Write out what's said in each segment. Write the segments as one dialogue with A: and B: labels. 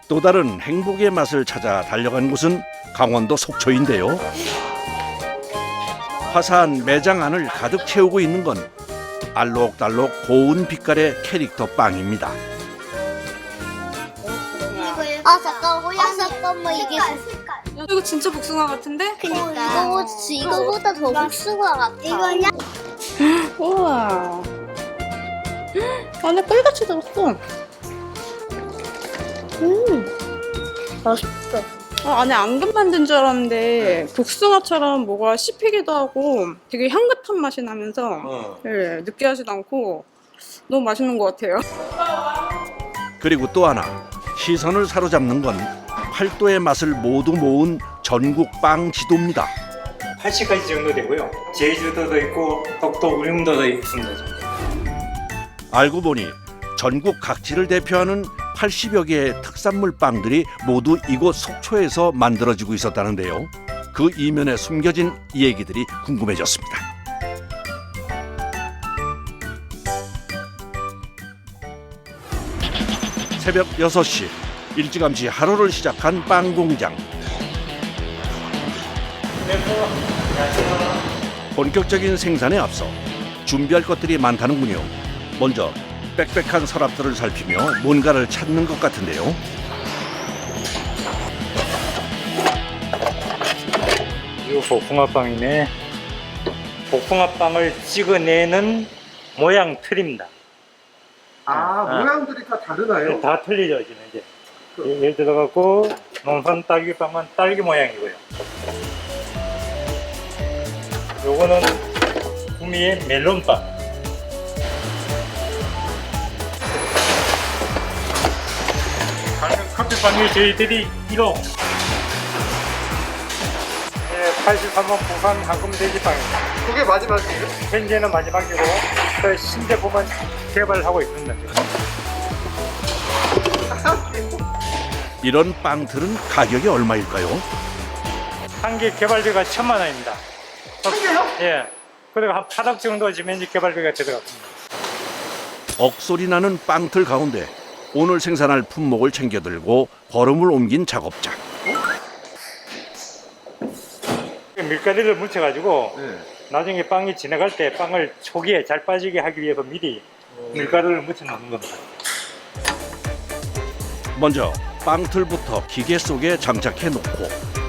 A: 또 다른 행복의 맛을 찾아 달려간 곳은 강원도 속초인데요. 화사한 매장 안을 가득 채우고 있는 건 알록달록 고운 빛깔의 캐릭터 빵입니다.
B: 아 잠깐만 이게
C: 이거 진짜 복숭아 같은데?
B: 그니까 이거보다 더 복숭아 같아. 이거냐?
C: 우와. 안에 꿀같이 들었어.
B: 맛있어.
C: 안에 앙금 만든 줄 알았는데 복숭아처럼 뭐가 씹히기도 하고 되게 향긋한 맛이 나면서 네, 느끼하지도 않고 너무 맛있는 것 같아요.
A: 그리고 또 하나 시선을 사로잡는 건 팔도의 맛을 모두 모은 전국 빵 지도입니다.
D: 80가지 정도 되고요. 제주도도 있고 독도 울릉도도 있습니다.
A: 알고 보니 전국 각지를 대표하는 80여 개의 특산물 빵들이 모두 이곳 속초에서 만들어지고 있었다는데요. 그 이면에 숨겨진 얘기들이 궁금해졌습니다. 새벽 6시 일찌감치 하루를 시작한 빵 공장. 본격적인 생산에 앞서 준비할 것들이 많다는군요. 먼저 빽빽한 서랍들을 살피며 뭔가를 찾는 것 같은데요.
D: 이거 복숭아빵이네. 복숭아빵을 찍어내는 모양 틀입니다.
E: 모양들이 다 다르나요?
D: 다 틀리죠, 지금 이제. 예를 들어갖고 농산 딸기빵은 딸기 모양이고요. 요거는 구미의 멜론빵. 커피빵이 저희들이 1호. 83번 부산 황금돼지빵입니다.
E: 그게 마지막이에요?
D: 현재는 마지막이고 그 신제품은 개발하고 있습니다.
A: 이런 빵들은 가격이 얼마일까요?
D: 한 개 개발비가 1,000만 원입니다.
E: 한 개요?
D: 예. 그리고 한 8억 정도 지면 이제 개발비가 들어갔습니다.
A: 억소리 나는 빵틀 가운데 오늘 생산할 품목을 챙겨들고 걸음을 옮긴 작업자.
D: 밀가루를 묻혀가지고
E: 네.
D: 나중에 빵이 지나갈 때 빵을 초기에 잘 빠지게 하기 위해서 미리 밀가루를 묻혀 놓는 겁니다.
A: 먼저 빵틀부터 기계 속에 장착해 놓고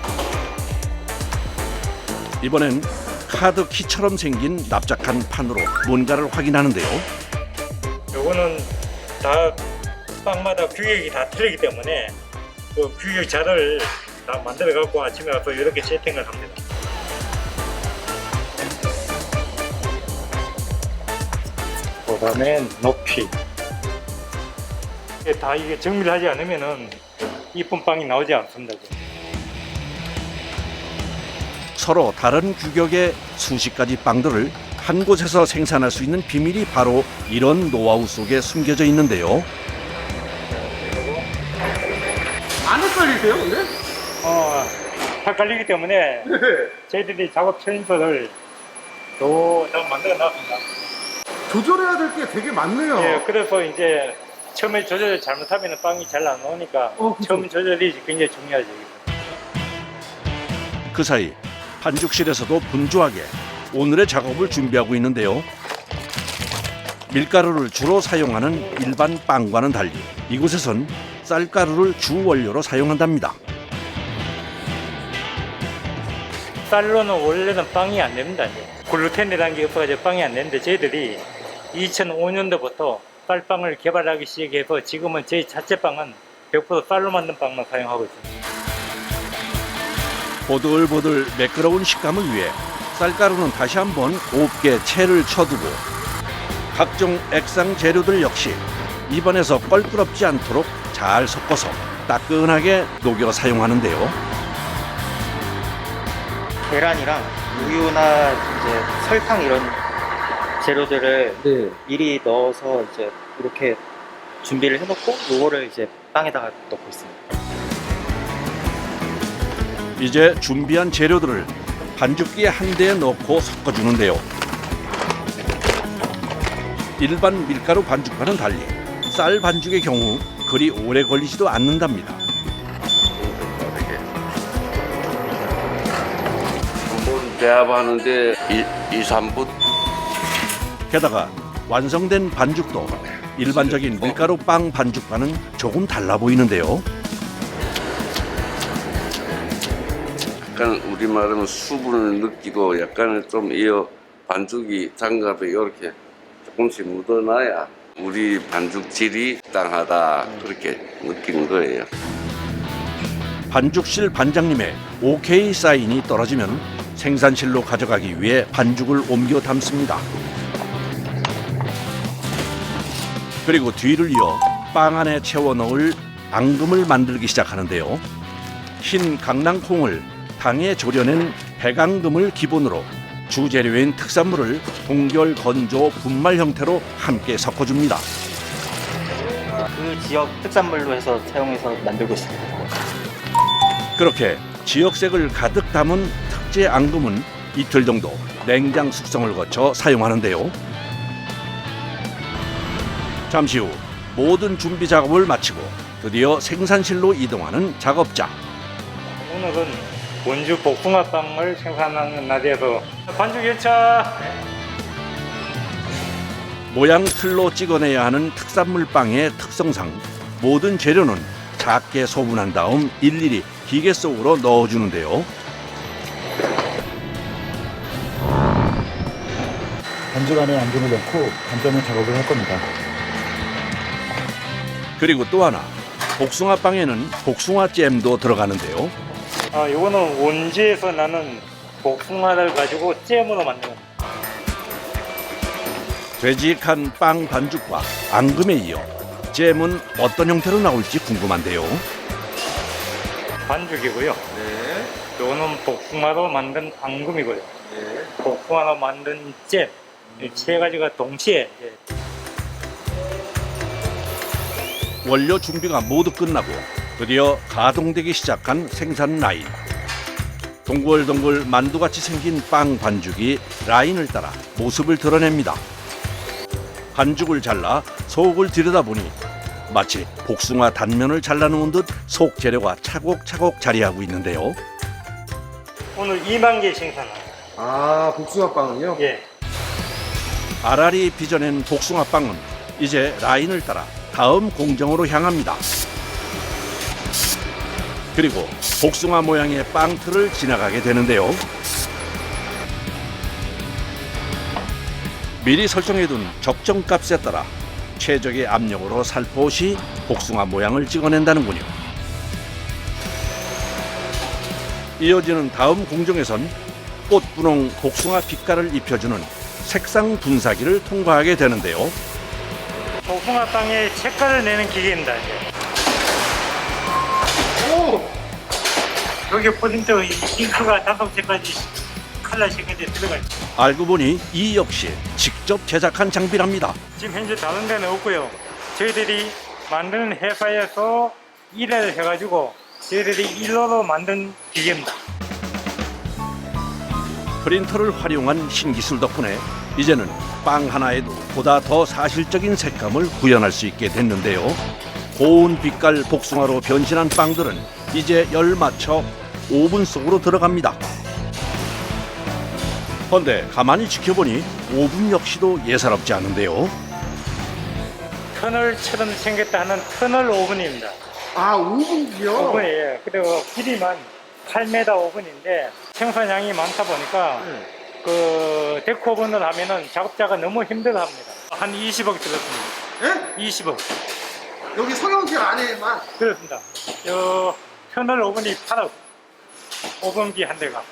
A: 이번엔 카드 키처럼 생긴 납작한 판으로 뭔가를 확인하는데요.
D: 요거는 다 빵마다 규격이 다 틀리기 때문에 그 규격 자를 다 만들어 갖고 아침에 와서 이렇게 세팅을 합니다. 그다음에 높이. 다 이게 정밀 하지 않으면은 이쁜 빵이 나오지 않습니다.
A: 서로 다른 규격의 수십 가지 빵들을 한 곳에서 생산할 수 있는 비밀이 바로 이런 노하우 속에 숨겨져 있는데요.
E: 안 헷갈리세요, 근데?
D: 헷갈리기 때문에 저희들이 작업 처인서를 또 만들어 놨습니다.
E: 조절해야 될 게 되게 많네요.
D: 예, 그래서 이제 처음에 조절을 잘못하면 빵이 잘 안 나오니까
E: 그쵸.
D: 처음 조절이 굉장히 중요하죠.
A: 그 사이 반죽실에서도 분주하게 오늘의 작업을 준비하고 있는데요. 밀가루를 주로 사용하는 일반 빵과는 달리 이곳에선 쌀가루를 주 원료로 사용한답니다.
D: 쌀로는 원래는 빵이 안 됩니다. 이제. 글루텐이라는 게 없어가지고 빵이 안 되는데 저희들이 2005년도부터 쌀빵을 개발하기 시작해서 지금은 저희 자체 빵은 100% 쌀로 만든 빵만 사용하고 있습니다.
A: 보들보들 매끄러운 식감을 위해 쌀가루는 다시 한번 곱게 채를 쳐두고 각종 액상 재료들 역시 입안에서 껄끄럽지 않도록 잘 섞어서 따끈하게 녹여 사용하는데요.
F: 계란이랑 우유나 이제 설탕 이런 재료들을
E: 네.
F: 미리 넣어서 이제 이렇게 준비를 해놓고 요거를 이제 빵에다가 넣고 있습니다.
A: 이제 준비한 재료들을 반죽기에 한 대에 넣고 섞어주는데요. 일반 밀가루 반죽과는 달리 쌀 반죽의 경우 그리 오래 걸리지도 않는답니다.
G: 한번 배합하는데 2-3분.
A: 게다가 완성된 반죽도 일반적인 밀가루 빵 반죽과는 조금 달라 보이는데요.
G: 약간 우리말하면 수분을 느끼고 약간은 좀 이 반죽이 장갑에 이렇게 조금씩 묻어놔야 우리 반죽 질이 땅하다 그렇게 느끼는 거예요.
A: 반죽실 반장님의 OK 사인이 떨어지면 생산실로 가져가기 위해 반죽을 옮겨 담습니다. 그리고 뒤를 이어 빵 안에 채워 넣을 앙금을 만들기 시작하는데요. 흰 강낭콩을 당에 졸여낸 백앙금을 기본으로 주재료인 특산물을 동결, 건조, 분말 형태로 함께 섞어줍니다.
F: 그 지역 특산물로 해서 사용해서 만들고 있습니다.
A: 그렇게 지역색을 가득 담은 특제 앙금은 이틀 정도 냉장 숙성을 거쳐 사용하는데요. 잠시 후 모든 준비 작업을 마치고 드디어 생산실로 이동하는 작업자.
D: 오늘은 원주 복숭아빵을 생산하는 날이어서 반죽 열차.
A: 모양 틀로 찍어내야 하는 특산물 빵의 특성상 모든 재료는 작게 소분한 다음 일일이 기계 속으로 넣어주는데요.
H: 반죽 안에 앙금을 넣고 반점을 작업을 할 겁니다.
A: 그리고 또 하나, 복숭아 빵에는 복숭아 잼도 들어가는데요.
D: 이거는 원주에서 나는 복숭아를 가지고 잼으로 만든 겁니다.
A: 되직한 빵 반죽과 앙금에 이어 잼은 어떤 형태로 나올지 궁금한데요.
D: 반죽이고요.
E: 네.
D: 이거는 복숭아로 만든 앙금이고요.
E: 네.
D: 복숭아로 만든 잼. 이 세 가지가 동시에 이제
A: 원료 준비가 모두 끝나고 드디어 가동되기 시작한 생산 라인. 동글동글 만두같이 생긴 빵 반죽이 라인을 따라 모습을 드러냅니다. 반죽을 잘라 속을 들여다보니 마치 복숭아 단면을 잘라놓은 듯 속 재료가 차곡차곡 자리하고 있는데요.
D: 오늘 2만 개 생산합니다.
E: 아, 복숭아빵은요?
D: 예.
A: 알알이 빚어낸 복숭아 빵은 이제 라인을 따라 다음 공정으로 향합니다. 그리고 복숭아 모양의 빵틀을 지나가게 되는데요. 미리 설정해둔 적정값에 따라 최적의 압력으로 살포시 복숭아 모양을 찍어낸다는군요. 이어지는 다음 공정에선 꽃분홍 복숭아 빛깔을 입혀주는 색상 분사기를 통과하게 되는데요.
D: 복숭아 빵에 색깔을 내는 기계입니다. 이제.
E: 오!
D: 여기 포인트 잉크가 5개까지 컬러 색깔이 들어가 있어요.
A: 알고 보니 이 역시 직접 제작한 장비랍니다.
D: 지금 현재 다른 데는 없고요. 저희들이 만드는 회사에서 일을 해가지고 저희들이 일로로 만든 기계입니다.
A: 프린터를 활용한 신기술 덕분에 이제는 빵 하나에도 보다 더 사실적인 색감을 구현할 수 있게 됐는데요. 고운 빛깔 복숭아로 변신한 빵들은 이제 열 맞춰 오븐 속으로 들어갑니다. 그런데 가만히 지켜보니 오븐 역시도 예사롭지 않은데요.
D: 터널처럼 생겼다 하는 터널 오븐입니다.
E: 아, 오븐이요?
D: 오븐이에요. 그리고 길이만 8m 오븐인데 생산량이 많다 보니까 그 데코 오븐을 하면은 작업자가 너무 힘들어합니다. 한 20억 들었습니다.
E: 예?
D: 20억.
E: 여기 성형실 안에만?
D: 그렇습니다. 저 터널 오븐이 8억. 오븐기 한 대가.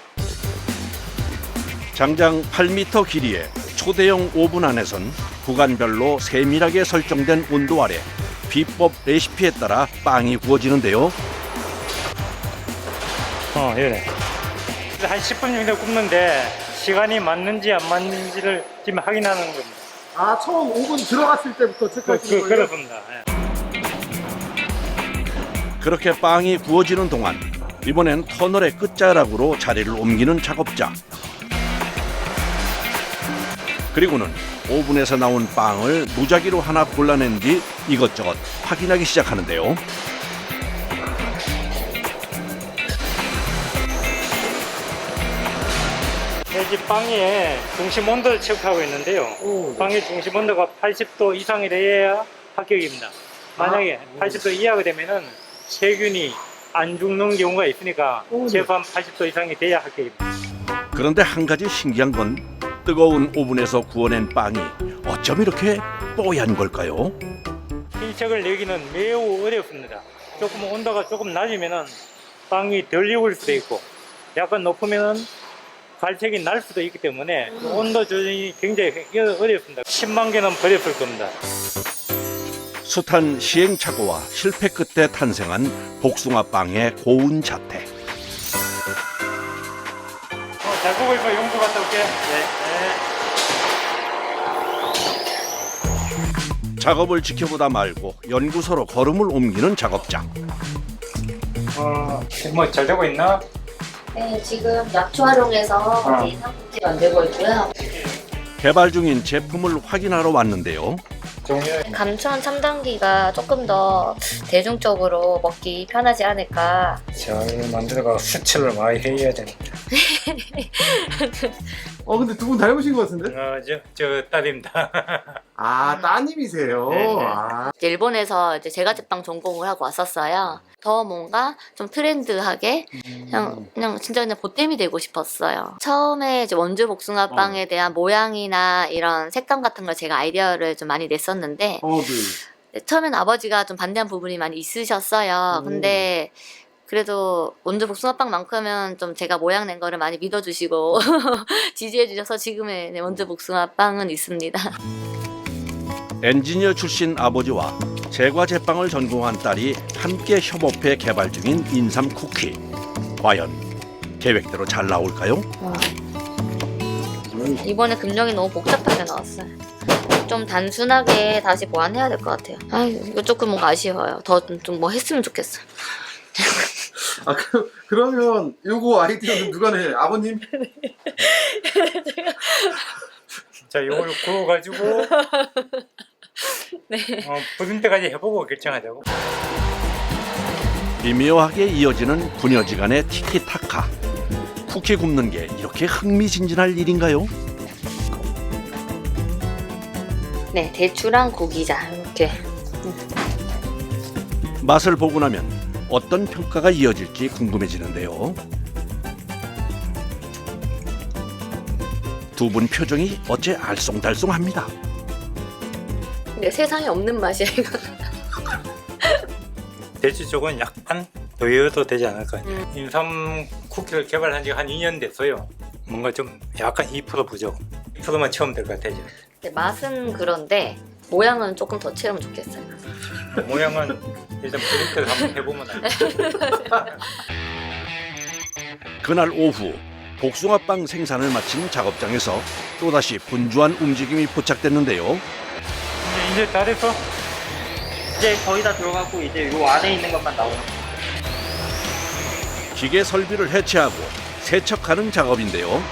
A: 장장 8m 길이의 초대형 오븐 안에선 구간별로 세밀하게 설정된 온도 아래 비법 레시피에 따라 빵이 구워지는데요.
D: 예. 한 10분 정도 굽는데 시간이 맞는지 안 맞는지를 지금 확인하는 겁니다.
E: 아, 처음 오븐 들어갔을 때부터 체크하시는 거예요?
D: 그렇습니다. 예.
A: 그렇게 빵이 구워지는 동안 이번엔 터널의 끝자락으로 자리를 옮기는 작업자. 그리고는 오븐에서 나온 빵을 무작위로 하나 골라낸 뒤 이것저것 확인하기 시작하는데요.
D: 이 빵의 중심 온도를 체크하고 있는데요. 빵의 중심 온도가 80도 이상이 돼야 합격입니다. 만약에 80도 이하가 되면은 세균이 안 죽는 경우가 있으니까 최소한 80도 이상이 돼야 합격입니다.
A: 그런데 한 가지 신기한 건 뜨거운 오븐에서 구워낸 빵이 어쩜 이렇게 뽀얀 걸까요?
D: 흰색을 내기는 매우 어렵습니다. 조금 온도가 조금 낮으면은 빵이 덜 익을 수도 있고 약간 높으면은 갈색이 날 수도 있기 때문에 온도 조절이 굉장히 어렵습니다. 10만 개는 버렸을 겁니다.
A: 숱한 시행착오와 실패 끝에 탄생한 복숭아 빵의 고운 자태.
D: 잘 보고 있고 용도 갔다 올게.
A: 작업을 지켜보다 말고 연구소로 걸음을 옮기는 작업장.
D: 뭐 잘 되고 있나?
B: 네, 지금 약초 활용해서 삼국지 만들고 있고요.
A: 개발 중인 제품을 확인하러 왔는데요.
B: 감천 첨단기가 조금 더 대중적으로 먹기 편하지 않을까.
D: 잘 만들어가 수출을 많이 해야 되는데.
E: 근데 두 분 닮으신 것 같은데?
D: 저 딸입니다.
E: 아, 따님이세요?
D: 네.
E: 아.
B: 일본에서 이제 제과제빵 전공을 하고 왔었어요. 더 뭔가 좀 트렌드하게 그냥 진짜 그냥 보탬이 되고 싶었어요. 처음에 이제 원주 복숭아 빵에 대한 모양이나 이런 색감 같은 걸 제가 아이디어를 좀 많이 냈었는데
E: 네.
B: 처음엔 아버지가 좀 반대한 부분이 많이 있으셨어요. 근데 그래도 원주 복숭아빵만큼은 좀 제가 모양 낸 거를 많이 믿어주시고 지지해 주셔서 지금의 원주 복숭아빵은 있습니다.
A: 엔지니어 출신 아버지와 제과 제빵을 전공한 딸이 함께 협업해 개발 중인 인삼 쿠키. 과연 계획대로 잘 나올까요?
B: 이번에 금령이 너무 복잡하게 나왔어요. 좀 단순하게 다시 보완해야 될 것 같아요. 이거 조금 뭔가 아쉬워요. 더 좀 뭐 했으면 좋겠어요.
E: 아, 그러면 요거 아이디어는 누가 내? 아버님?
D: 자, 요걸 구워가지고 부순 때까지 해보고 결정하자고.
A: 미묘하게 이어지는 부녀지간의 티키타카. 쿠키 굽는 게 이렇게 흥미진진할 일인가요?
B: 네, 대추랑 고기자 이렇게.
A: 맛을 보고 나면 어떤 평가가 이어질지 궁금해지는데요. 두 분 표정이 어째 알쏭달쏭합니다.
B: 근데 세상에 없는 맛이야 이거.
D: 대추 쪽은 약간 더 익어도 되지 않을까요? 인삼 쿠키를 개발한 지 한 2년 됐어요. 뭔가 좀 약간 2% 부족. 2%만 채우면 될 것 같아요.
B: 근데 맛은 그런데 모양은 조금 더 채우면 좋겠어요.
D: 모양은 일단 프린트를 한번 해보면 알죠.
A: 그날 오후 복숭아빵 생산을 마친 작업장에서 또다시 분주한 움직임이 포착됐는데요.
D: 이제 다 됐어?
F: 이제 거의 다 들어가고 이제 요 안에 있는 것만 나오는.
A: 기계 설비를 해체하고 세척하는 작업인데요.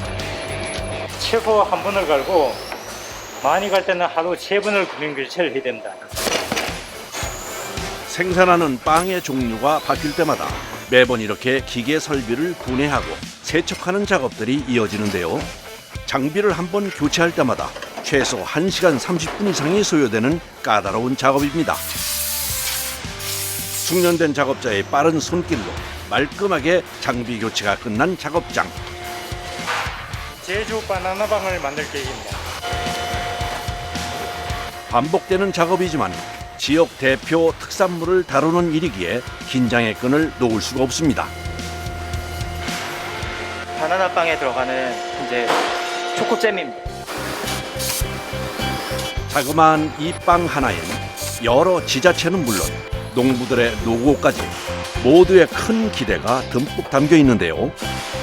D: 최소 한 번을 갈고 많이 갈 때는 하루 3번을 구명 교체를 해야 된다.
A: 생산하는 빵의 종류가 바뀔 때마다 매번 이렇게 기계 설비를 분해하고 세척하는 작업들이 이어지는데요. 장비를 한번 교체할 때마다 최소 1시간 30분 이상이 소요되는 까다로운 작업입니다. 숙련된 작업자의 빠른 손길로 말끔하게 장비 교체가 끝난 작업장.
D: 제주 바나나빵을 만들 계획입니다.
A: 반복되는 작업이지만 지역 대표 특산물을 다루는 일이기에 긴장의 끈을 놓을 수가 없습니다.
F: 바나나빵에 들어가는 이제 초코잼입니다.
A: 자그마한 이 빵 하나엔 여러 지자체는 물론 농부들의 노고까지 모두의 큰 기대가 듬뿍 담겨 있는데요.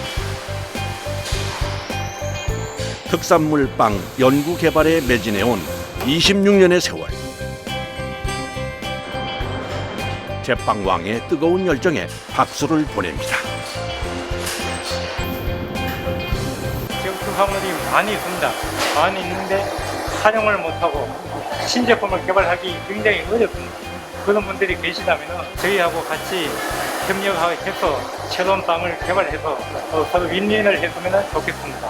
A: 특산물 빵 연구 개발에 매진해온 26년의 세월. 제빵왕의 뜨거운 열정에 박수를 보냅니다.
D: 지역 특산물이 많이 있습니다. 많이 있는데 사용을 못하고 신제품을 개발하기 굉장히 어렵습니다. 그런 분들이 계시다면 저희하고 같이 협력해서 새로운 빵을 개발해서 서로 윈윈을 했으면 좋겠습니다.